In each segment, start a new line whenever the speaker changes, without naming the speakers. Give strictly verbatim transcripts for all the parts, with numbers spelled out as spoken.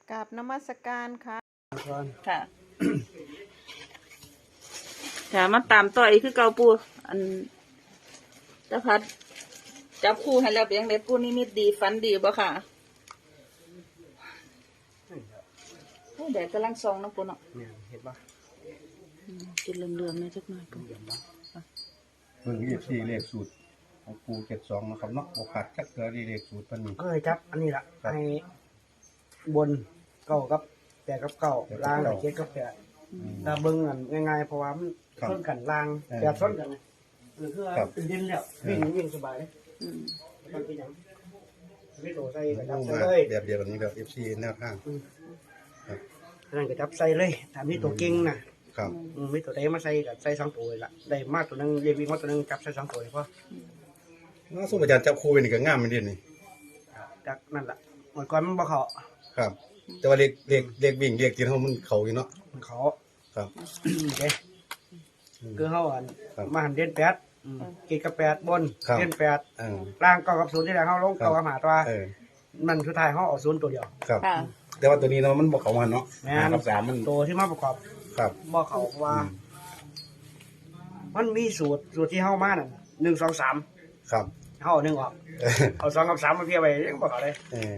กราบนมัสการค่ะ
ค่ะ ค่ะมาตามต่ออีกคือเก่าปูอันตะพัดจับคู่ให้แล้วเป็นยังไงปูนี่มิตดีฟันดีบ่ค่ะโอ้แดดกำลังส่องนะปูเนาะ
เนี่ยเห็นปะ
กินเหลืองๆนี่จักหน่อยปู
เห็นปะเบิ่งเลขสี่เลขสูตรของปูเจ็ดสองนะครับเนาะโอกาสจักเกลือเลขสูตรปานนี้
ก็เลยจับอันนี้ละให้บนเก้ากับแปดกับเก้าล่างกับเจ็ดกับแปดถ้าเบิ่งอันง่ายๆเพราะว่ามันส้นกันล่างแปดส้นกันนะเออคือเป็นดินแล้ววิ่งวิ่งสบายเลย
อืม
มันเป็นอย่างไม่โดดใส่กระจับ
ลง
ใส่
มา
เลย
แบบเดียวกันนี้แบบเอฟซีแนวทาง
นั่นกระจับใส่เลยถามที่ตัวเก่งนะครับ อืมไม่ตัวใดมาใส่กับใส่สองตัวละได้มากตัวนึงเรียกวิ่งมาตัวนึงจับใส่สองตัวเลยเพราะ
น่าสู้อาจารย์จับคู่เป็นอีกก็งามมันดีนี่
จากนั่นแหละเมื่อก่อนมันบ่เขา
ครับ แต่ว่าเลขเลขเลขวิ่งเลขกินเขามันเขาอยู่เนาะ
มันเขา
ครับ
เด้คือเขาอัน
ครับ
มาหันเด่นแปดเจ็ดกับแปดบน
ครับ
เด่นแปด
เออ
ล่างเก้ากับศูนย์ที่แรกเขาลง
ครับ
เก้ากับหาตัว
เออ
มันสุดท้ายเขาเอาศูนย์ตัวเดียว
ครับ
ค่ะ
แต่ว่าตัวนี้เนาะมันบอกเขามันเนาะ
แม่
ห้าน กับสามมัน
ตัวที่มาประกอบ
ครับ
บ่เขาว่า มันมีสูตรสูตรที่เข้ามานั่นหนึ่งสองสาม
ครับ
เขาเอาหนึ่งออก
เออ
เอาสองกับสามมาเพียบไปยังบ่เขาเลย
เออ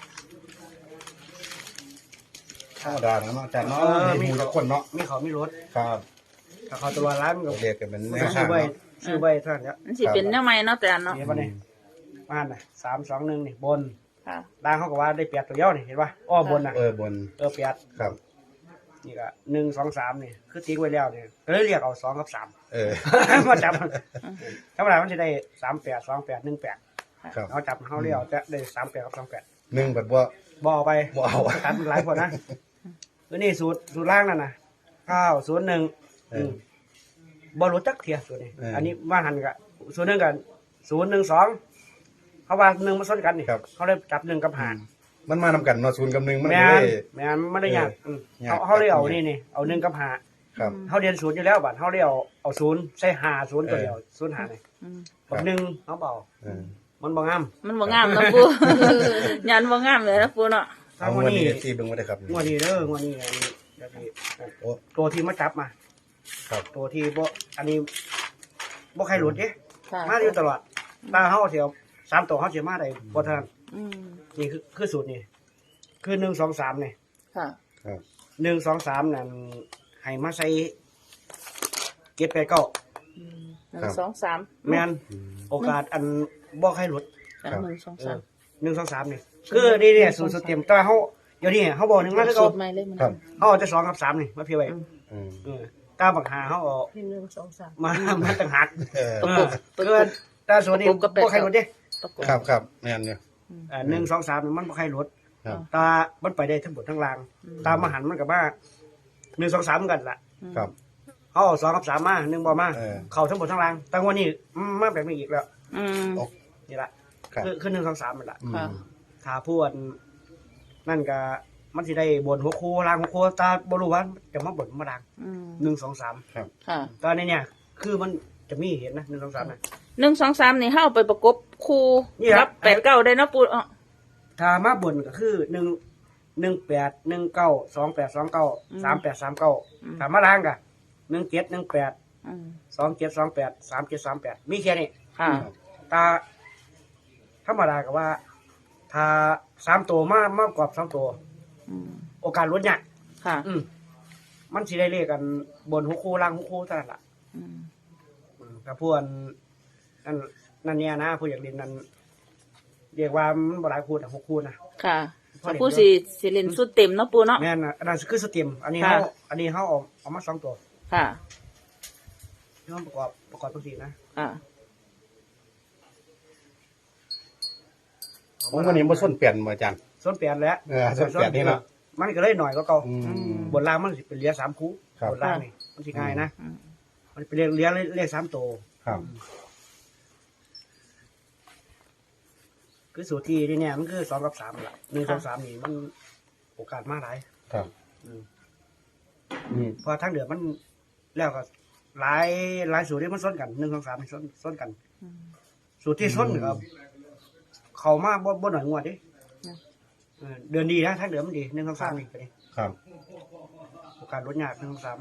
ธรรมดาเนาะอาจารย์เนาะ
เออ
มี
มี
หมูทุกคนเนาะ
มีเขามีรถ
ครับ
ถ้าเขาตัวร้านมันก็
เรียกกันเป็นแนว
ซื้
ทา
อง ใบ
เนาะ
ซื้อใบเท่านั้นเนี่ย
มันสิเป็นแนวใหม่เนาะแต่อันเนาะ
เห็นป่ะเนี่ยมาน่ะสามสองหนึ่งนี่บน
ค่ะ
ล่างเขาก็ว่าได้เปียดตัวเดียวนี่เห็นป่ะอ้อบนน่ะ
เออบน
เออเปียด
ครับ
นี่ก็หนึ่งสองสามนี่คือติ๊กไว้แล้วเนี่ยก็เลยเรียกเอาสองกับสาม
เออ
มาจับธรรมดามันจะได้สามแปดสองแปดหนึ่งแปด
ครับ
เขาจับเขาเรียกจะได้สามแปดกับสองแปด
หนึ่งแบบว่า
บอไป
บ่เอา
ตัดหลายคนนะตัวนี้สูตรสูตรล่างนั่นนะเก้าศูนย์หนึ่ง
เออ
บอรู้จักเทียสูตรนี้
เอออั
อันนี้ว่าหันกับศูนย์หนึ่งกันศูนย์หนึ่งสองเขาว่าหนึ่งมาซ้อนกันนี่
ครับ
เขาเลยจับหนึ่งกับหาร
มันมานำกันเนาะศูนย์กับหนึ่งมัน
แม่
ไม่
น
ได้
แม่นไม่ได้ยาก
เออ
ม
ยาก
เขาเขาเลยเอานี่นี่เอาหนึ่งกับหา
ครับ
เขาเรียนศูนย์อยู่แล้วบัดเขาเรียกเอาเอาศูนย์ใส่หาศูนย์ตัวเดียวศูนย์หาเลย
อืม
กับหนึ่งเขาเบา
เออ
มันบ่งาม
มันบ่งามเนาะปู ยันบ่งามเลยนะปูเนาะ
ถ้า
เอา
งวด
วัน
นี้
นี้ที่เบิ่งบ่ได้ครับ
งวดนี้เด้องวดนี้อันนี้เดี๋ยวพี่
โอ้
ตัวที่มาจับมา
ครับ
ตัวที่บ่อันนี้บ่ใครหลุดเด้
ค่ะ
มาอยู่ตลอดตาเฮาเสียวสามตัวเฮาสิมาได้บ่ทัน
อืม
นี่คือคือสูตรนี่คือหนึ่ง สอง สามนี่
ค่ะ
ครับ
หนึ่ง สอง สามนั่นให้มาใส่เก็บไปเก้า
อืมหนึ่งสองสาม
แม่น
อืม
โอกาสอันบ่ใครหลุด
หนึ่งสองสาม
หนึ่ง สอง สามนี่คือนี่เนี่ยสูตรสูตรเต็มแต่ว่าเฮาเดี๋ยวนี้เฮาบ่หนึ่งมาคือ
สู
เก่า
ตรใหม่เลยมัน
ครับ
เฮาเอาแต่สองกับสามนี่มาเพียไว้
อืม
เออตามบักหาเฮาเอา
หนึ่งสองสาม
มามาต่างหาก
เออ
ประกบประกบ
เกินแต่ส่วนนี้
ประกบกับแปด
บ่ใครหลุดเด้
ประกบ
ครับครับแม่นเนี่ย
อ่าหนึ่งสองสามมันบ่ใครหลุด
ครับ
ตา มันไปได้ทั้งหมดทั้งราง
อืม
ตามมาหันมันกับว่าหนึ่งสองสามกันล่ะ
ครับ
เขาเอาสองกับสามมาหนึ่งบ่มา
เออ
เข้าทั้งหมดทั้งรางแต่วันนี้อืมมาแบบนี้อีกแล้ว
อืม
นี่ละ
ครับ
คือคือหนึ่งสองสามมันละ
อืม
ค่ะ
ถ้าพูดนั่นก็มันสิได้บนหัวโครางหัวโคตาบ่รู้ว่าจะมาบนมาดัง
อืม
หนึ่งสองสาม
ครับ
ค่ะ
ตอนนี้เนี่ย คือมันจะมีเห็นนะหนึ่งสองสามนะ
หนึ่งสองสามนี่เฮาไปประกบคู่
นี่ครับ
แปดเก้าได้เนาะปูอ๋อ
ถ้ามาบนก็คือหนึ่งหนึ่งแปดหนึ่งเก้าสองแปดสองเก้าสามแปดสามเก้าถ้ามาล่างก็หนึ่งเจ็ดหนึ่งแปด
อืม
สองเจ็ดสองแปดสามเจ็ดสามแปดมีแค่นี้
ค่ะ
ตาธรรมดาก็ว่า ถ้าสามตัวมากมากกว่าสองตัว
อืม
โอกาสลดเนี่ยาก
ค่ะ
อืมมันสิได้เลขกันบนหัวคู่ล่างหัวคู่เท่านั้นล่ะ
อืม
อืมกับพวกนั่นนั่นเนี่ยนะผู้อยากเรียนนั้นเรียกว่ามันบ่หลายคู่นะหกคู่นะ
ค่ะถ้าผู้สิสิเล่นสุดเต็มเนาะปูเนาะ
แม่นนะอันนั้นคือสเต็มอันนี้
ค่ะ
เขาอันนี้เขาเอาเอามาสองตัว
ค่ะ
ที่เขาประกอบประกอบตัวสี่นะ
ค่ะ
ผมวันนี้บ่ส้นเปลี่ยนมาอาจารย์
ส่วนแปดแล้ว
เออส่วนแปดนี่เนาะ
มันก็เลยหน่อยก็เก่า
อืม
บนล่างมันสิเป็นเหลี้ยสามคู่
ครับ
บนล่างนี่มันสิง่ายนะ
อืม
มันเป็นเรียกเลี้ยเลขสามตัว
ครับ
คือสูตรที่นี่เนี่ยมันคือสองกับสามละหนึ่งสองสามนี่มันโอกาสมากหลาย
ครับ
อืม
อืม
เพอทั้งเดือนมันแล้วก็หลายหลายสูตรที่มันซ้นกันหนึ่งสองสามมันซ้นซ้นกัน
อืม
สูตรที่ซ้นครับ เขามาบ่บ่หน่อยงวดดิ
นะ
เอออเดือนดีนะถ้าเดือนมันดีหนึ่งสองสามนี่ไปดิ
ครับ
โอกาสลดยากหนึ่งสองสาม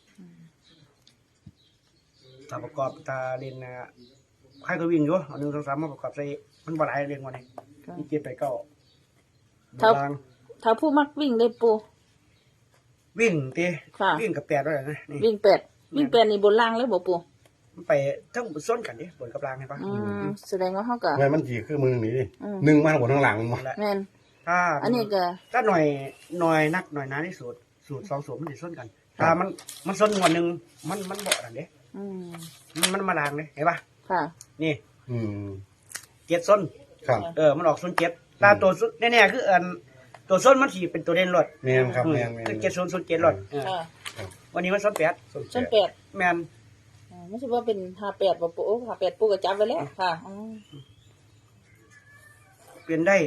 ถ้าประกอบตาเรียนนะใครก็วิ่งอยู่เอาหนึ่งสองสามมาประกอบใส่มันบ่หลายเรียนวันนี้มีเจ็ดไปเก้า
ถ้า
บาง
ถ้าผู้มักวิ่งได้ปู
วิ่งตี
ค่ะ
วิ่งกับแปดด้วยนะนี่
วิ่งแปดวิ่งแปดนี่บนล่างเลยบ่ปู
มันไปทั้งส้นกันดิบนกับรางเห็นปะ
อืมแสดงว่าเขาก็
ไงมันจีคือมือนี่ดิ
อืม
หนึ่งมาทั้งบนทั้งหลังมา
และ
แม่น
ถ้า
อันนี้ก็
ถ้าหน่อยหน่อยนักหน่อยหนาที่สูตรสูตรสองสูตรมันจะส้นกัน ถ้ามันมันส้นวันหนึ่งมันมันเบาดันเด้
อืม
มันมันมาลางเลยเห็นปะ
ค่ะ
นี่
อืม
เจ็ดส้น
ครับ
เออมันออกส้นเจ็ดตาตัวส้นแน่ๆคืออันตัวส้นมันสีเป็นตัวเด่นรถ
แมนครับแมนแมน
คือเจ็ดส้นส้นเจ็ดรถเออ
ค่ะ
วันนี้มันส้นแปด
ส้นแปด
แมน
อ๋อไม่ใช่ว่าเป็นห้าแปดบ่ปูโอ้ห้าแปดปูก็จับไว้แล้วค่ะอืม
เปลี่ยนได้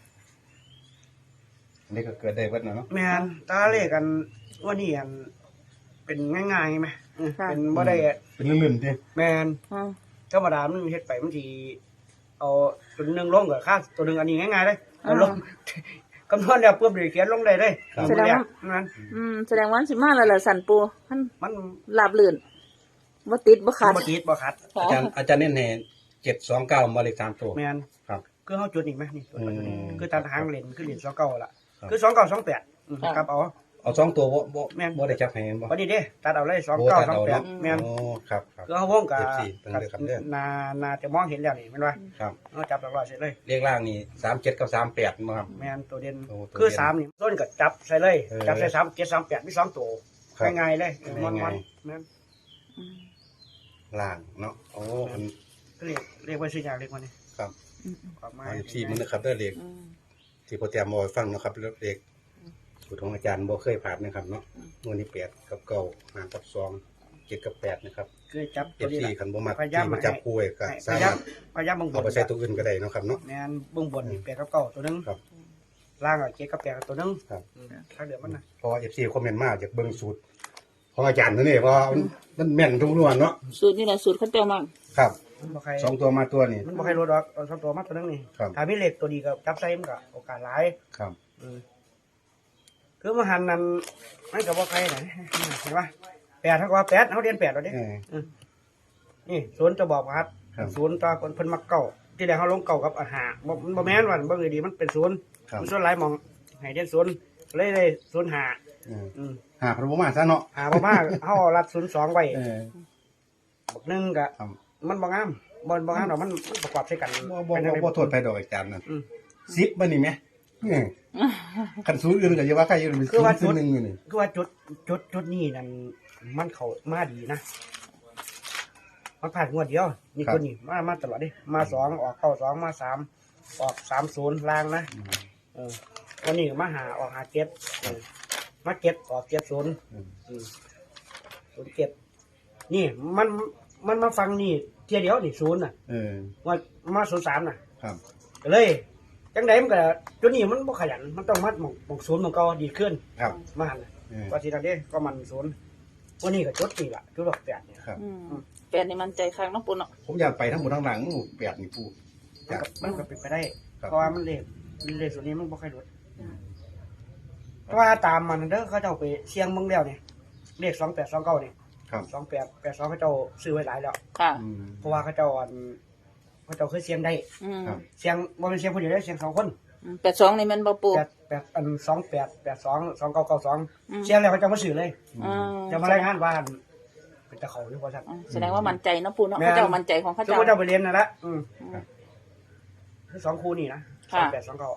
อันนี้ก็เกิดได้เวัดนะเนาะ
แมนตาเลขกันวันนี้อันเป็นง่ายๆไหมเออเป็นบ่ได้
เป็นเรื่องๆดิ
แมน
อืม
ธรรมดามันเฮ็ดไปมันสิเอาตัวหนึงลงกับค่าตัวหนึงอันนี้ง่ายๆเลยเอาลง คำนวณแล้วปุ๊บเดี๋ยวเขียนลงได้เลยมันเรียกนั้น
อืมแสดงว่าสิมาแล้วล่ะสันปูมัน
มัน
ลาบลื่นบ่ติดบ่ขาด
บ่ติดบ่ขัด
ค่ะ
อาจารย์อาจารย์เน้นแห่เจ็ดสองเก้ามาเลขสามตัว
แมน
ครับ
คือเฮาจุดอีกไหมนี่ตัวจุดนี้
อืม
คือตัดหางเลนคือเลนสองเก้าล่ะ
ครับ
คือสองเก้าสองแปดอืมครับเอา
เอาสองตัวบ่บ่
แม่น
บ่ได้จับให้บ่
วันนี้เด้ตัดเอาเลยสอง
โอ้
เก้า
ตัด
สอง
เอา
แปด
เนาะ
แมน
โอ้ครับครับ
คือเฮาวงกับ
เอฟซีเพิ่นเลือกครับเด้อ
นานาจะมองเห็นแล้วนี่แม่นว่า
ครับ
เฮาจับหลักร้อยเสร็จเลย
เลขล่างนี่สามเจ็ดกับสามแปดมาครับ
แมนตัวเด่น
โอ้ตัว
คือ
เด่น
สามนี่ต้นก็จับใส่เลย
เออ
จับใส่สามเจ็ดสามแปดมีสองตัว
ครับ
ง่ายๆเลยเออมัน
ง่า
มัน
ย
แม่น
อืม
ล่างเนาะโอ้อัน
เรียกเรียกว่าชื่อยากเรียกว่านี่
ครับ
อืม
ความหมาย
เอาที่มันนะครับเด้อเลข
อืม
ที่โปรแกรมมาให้ฟังนะครับเลขสูตรของอาจารย์บ่เคยผ่านนะครับเนาะวันนี้แปดกับเก้าห้ากับสองเจ็ดกับแปดนะครับ
คือจับ
เอ
ตัว
ฟ
นี้
ซี
ล่ะ
คันบ่มัก
พยายาม
ที่มาจับคู่ไว้ก็
ให้
สา
พยายาม
มารถ
พยายามเบิ่งบ
เอา
น
ไปใช้ตัวอื่นก็ได้เนาะครับเนาะ
แม่นเบิ่งบนนี่แปดกับเก้าตัวหนึง
ครับ
ล่างอ่ะเจ็ดกับแปดกับตัวหนึง
ครับ
อืมถ้าเหลือมันน่ะ
เพราะว่า เอฟ ซี คอมเมนต์มาจากเบิ่งสูตร ของอาจารย์นั่นนี่เพราะว่ามันมันแม่นทุกนวลเนาะ
สูตรนี่แหละสูตรเขาเจ้ามั่ง
ครับ
มันบ่ใคร
สองตัวมาตัวนี่
มันบ่ใครรู้ดอกเอาสองตัวมาตัวหนึงนี่
ครับ
ถ้ามีเลขตัวดีก็จับใส่มันก็โอกาสหลาย
ครับ
อืมคือมาหันนั้นมันก็บ่ใครน่ะเห็นปะแปดเท่ากับว่าแปดเฮาเรียนแปดแล้วเด้
เออ
นี่ศูนย์จะบอกว่า
ครับ
ศูนย์ตาคนเพิ่นมักเก่าที่แรกเขาลงเก่ากับอาหารบ่มันบ่แม่นว่าบ่เลยดีมันเป็นศูนย์
ครับ
มันส่วนหลายหมองให้เด่นศูนย์เลยเลยศูนย์หา
เออ
อืม
หาพระบ่มาซะเนาะ
หาบ่มา เฮารัดศูนย์สองไว้
เออ
บักหนึงก็
ครับ
มันบ่งามบ่บ่งามดอกมันมันประกอบใส่กัน
บ่บ่
เป็นจั่ง
บ่
ใด
บ่โทษไปดอกอาจารย์นั่น
อืม
สิบบ่นี่แหมเออคันสูตรอื่นก็อย่าว่าใครอยู่เป็น
คือว่า
ศูนย์หนึ่งอยู่นี่
คือว่าจุดจุดจุดนี้นั่นมันเข้ามาดีนะมันผ่านงวดเดียวนี่คนนี้มามาตลอดดิมาสองออกเข้าสองมาสามออกสามศูนย์ล่างนะ
อืม
เออวันนี้มาหาออกหาเก็บเออมาเก็บออกเก็บศูนย์
อืม
อืมศูนย์เก็บ นี่มันมันมาฟังนี่เทียเดียวนี่ศูนย์น่ะ
เออ
ว่ามาศูนย์สามน่ะ
ครับ
ก็เลยจังไดมันก็จุดนี้มันบ่ขยันมันต้องมัดหมองหมองศูนย์หมองเก่าดีขึ้น
ครับ
มาหันน่ะ
เออ
ว่าสิทันเด้ก็มันศูนย์วันนี้ก็จุดนี่ล่ะจุดดอกแปดเนี่ย
ครับ
อืมแปดนี่มันใจค้างเน้องปูเนาะ
ผมอยากไปทั้งหมดทั้งหลังแปดนี่ปูอ
มัน
ยาก
ก็มันก็เป็นไปได้
ครับ
เพราะว่ามันเลขเลขส่วนนี้มันบ่ค่อยลดเพราะว่าตามมันเด้อเขาเจ้าไปเชียงเมืองแล้วนี่เลขสองแปดสองเก้านี่
ครับ
สองแปดแปดสองเขาเจ้าซื้อไว้หลายแล้ว
ค่ะ
อืม
เพราะว่าเขาเจ้าอันเขาเจ้าเคยเสียงได้
อืม
ครับ
เสียงบ่เป็นเสียงคนเดียวได้เสียงสองคน
แปดสองนี่แมันบ่ปู
แปดแปดอันสองแปดแปดสองสองเก้าเก้าสอง
อืม
เสียงแล้วเขาเจ้ามาซื้อเลย
อ่า
จะมารายงานว่าอันเป็นตะเขาหรือว่าซั่น
อ่าแสดงว่ามันใจเนาะปูเนาะ
แม่น
เขาเจ้ามันใจของเขา
สม
เจ้า
มุติเจ้าไปเรียนนั่นละอืม
ครับ
คือสองคู่นี่นะส
ค่ะ
องแปดสองเก้า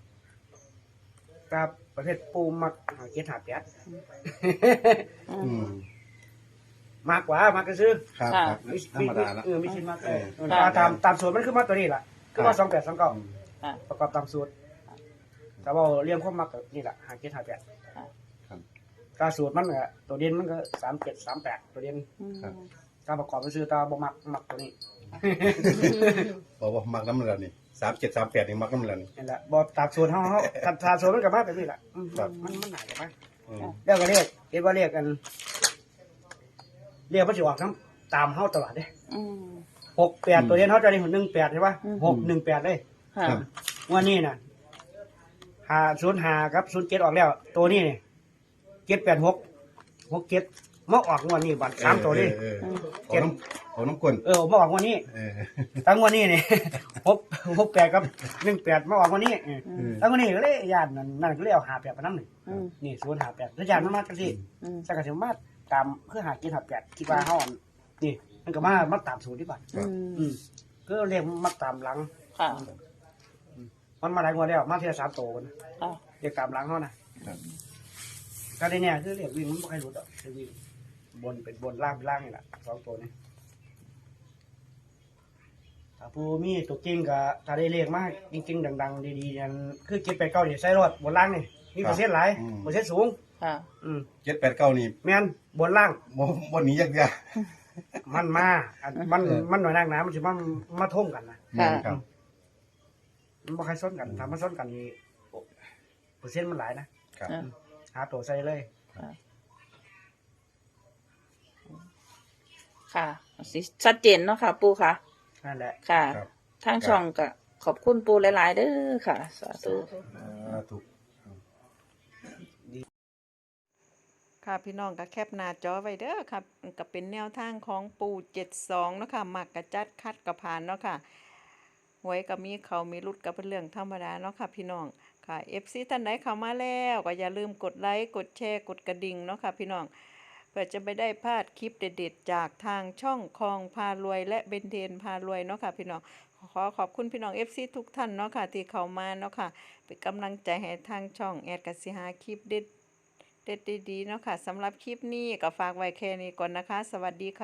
กับประเภทปูมักหาเกียรติหาแปด
อื
อื
ม
ม
มากกว่ามากก็ซื้อ
ครับ
ค่ะ
ครับ
มี
ธรรมดาละ
เออมีชิ้นมาก
เออ
เออตามตามสูตรมันคือมาตัวนี้ล่ะคือว่าสองแปดสองเก้า
ค่ะ
ประกอบตามสูตรแต่ว่าเรียงความมักก็นี่แหละหาเกียรติหาแปด
ครับ
ถ้าสูตรมันก็ตัวเด่นมันก็สามเจ็ดสามแปดตัวเด่น
อืม
ครับ
ถ้าประกอบไปซื้อตาบ่มักมักตัวนี้
บอกว่ามักน้ำมันแล้วนี่สามเจ็ดสามแปดนี่มักน้ำมันแล้วนี่
นี่แหละบ่ตามสูตรเฮาเฮาถ้าถ้าสูตรมันก็มาแบบนี้แหละอืม
ครับ
มันมันหนาจะมา
อืม
แล้วก็เรียกเรียกว่าเรียกกัน เรียกว่าสิออกทั้งตามเฮาตลอดเด้
อืม
หกแปดตัวเด่นเฮาจะได้หนึ่งแปดใช่ป่ะ
อืม
หกหนึ่งแปดเลย
ค่ะ
ครับ
วันนี้น่ะหาศูนย์หากับศูนย์เจ็ดออกแล้ว ตัวนี้นี่เจ็ดแปดหกหกเจ็ดมาออกงวดนี้บัตรสามตัวนี้
เออเออเออเอาน้ำเอาน้ำกลน
เออมาออกงวดนี้
เออ
ตั้งงวดนี้นี่ หกหกแปดกับหนึ่งแปดมาออกงวดนี้
อืม
ตั้งงวดนี้ก็เลยญาตินั่นนั่นก็เลยเอาหาแปดไปน้ำหนึ่ง
อืม
นี่ศูนย์หาแปดแล้วญาติมันมาจังซี่
อืม
สักกะสิมาตามคือหาเจ็ดหาแปดคิดว่าเฮาอันนี่มันก็มามาตามสูตรที่บัตร
อืม
อืมก็เรียกมาตามหลัง
ค่ะ
มันมาหลายงวดแล้วมาเทียสามโตกัน
ค่ะ
เรียกตามหลังเขานะครับ ก็ได้เนี่ยคือเรียกวิ่งมันไม่ค่อยรู้ดอกคือวิ่งบนเป็นบนล่างเป็นล่างนี่แหละสองตัวนี้ถ้าผู้มีตัวจริงก็ถ้าได้เรียกมากจริงๆดังๆดีๆนั่นคือเก็บไปเก้าเนี่ยใส่รถบนล่างนี่มีเปอร์เซ็นต์หลายเปอร์เซ็นต์สูง
ค่ะ
อืม
เจ็ดแปดเก้านี่
แม่นบนล่าง
บ่บ่หนียากยาก
มันมาอันมันมันหน่อยนักหนามันสิมันมาท่งกันนะ
ค่ะ
ครับ
มันบ่ใครซ้นกันถ้ามันซ้นกันนี่โอ้เปอร์เซ็นต์มันหลายนะครับ
อ่า
หาตัวใส่เลย
ค่ะสิชัดเจนเนาะค่ะ ปูค่ะ
นั่นแหละ
ค่ะ
ครับ
ทางช่องก็ขอบคุณปูหลายๆเด้อค่ะ สาธุ
อ่าถูก
ค่ะพี่น้องก็แคปหน้าจอไว้เด้อครับก็เป็นแนวทางของปู่เจ็ดสองเนาะค่ะมักกระจัดคัดกระพานเนาะค่ะหวยก็มีเขามีรุดก็เป็นเรื่องธรรมดาเนาะค่ะพี่น้องค่ะ เอฟ ซี ท่านใดเข้ามาแล้วก็อย่าลืมกดไลค์กดแชร์กดกระดิ่งเนาะค่ะพี่น้องเพื่อจะไม่ได้พลาดคลิปเด็ดๆจากทางช่องคลองพารวยและเบนเทนพารวยเนาะค่ะพี่น้องขอขอบคุณพี่น้อง เอฟ ซี ทุกท่านเนาะค่ะที่เข้ามาเนาะค่ะเป็นกำลังใจให้ทางช่องแอดกสิหาคลิปเด็ดเด็ดดีๆเนาะค่ะสำหรับคลิปนี้ก็ฝากไว้แค่นี้ก่อนนะคะ สวัสดีค่ะ